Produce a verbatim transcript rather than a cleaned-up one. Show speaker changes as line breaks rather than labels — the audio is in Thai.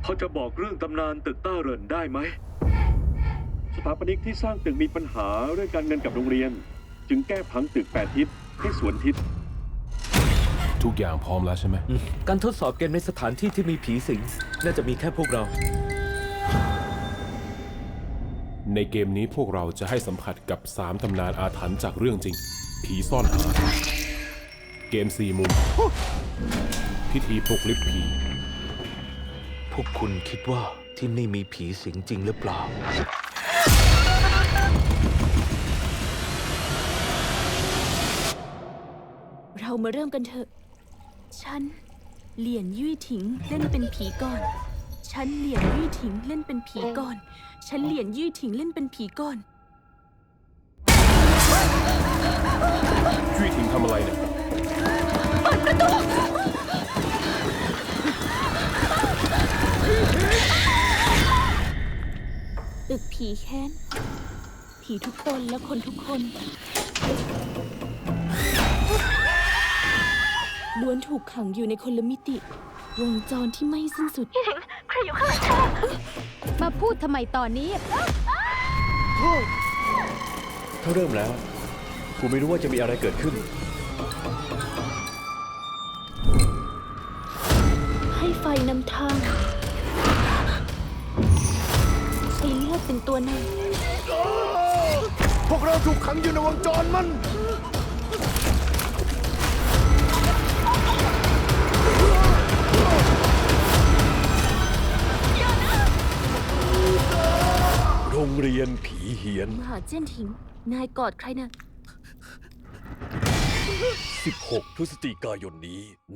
อจะบอกเรื่องตำนานตึกต้าเหรินได้ไหมสถาปนิกที่สร้างตึกมีปัญหาเรื่องการเงินกับโรงเรียน จึงแก้ผังตึกแปดทิศให้สวนทิศ
ทุกอย่างพร้อมแล้วใช่ไหม
การทดสอบเกมในสถานที่ที่มีผีสิงน่าจะมีแค่พวกเรา
ในเกมนี้พวกเราจะให้สัมผัสกับสามตำนานอาถรรพ์จากเรื่องจริง ผีซ่อนหา เกมสี่มุม พิธีปลุกลิฟต์ผี
พวกคุณคิดว่าที่นี่มีผีสิงจริงหรือเปล่า
เรามาเริ่มกันเถอะ ฉัน เหลียนยุ่ยถิงเล่นเป็นผีก่อน ฉันเหลียนยุ่ยถิงเล่นเป็นผีก่อน ฉันเหลียนยุ่ยถิงเล่นเป็นผีก่อน
จุ้ยถิงทำอะไรเนี่ย
ตึกผีแค้น ผีทุกตนและคนทุกคนล้วนถูกขังอยู่ในคนละมิติ วงจรที่ไม่สิ้นสุด
มาพูดทำไมตอนนี้
ถ้าเริ่มแล้วกูไม่รู้ว่าจะมีอะไรเกิดขึ้น
ให้ไฟนำทางให้เลือดเป็นตัวนำ
พวกเราถูกขังอยู่ในวงจรมัน โรงเรียนผีเหียน
มหาเจี้ยนถิง นายกอดใครนะ
สิบหก พฤศจิกายนนี้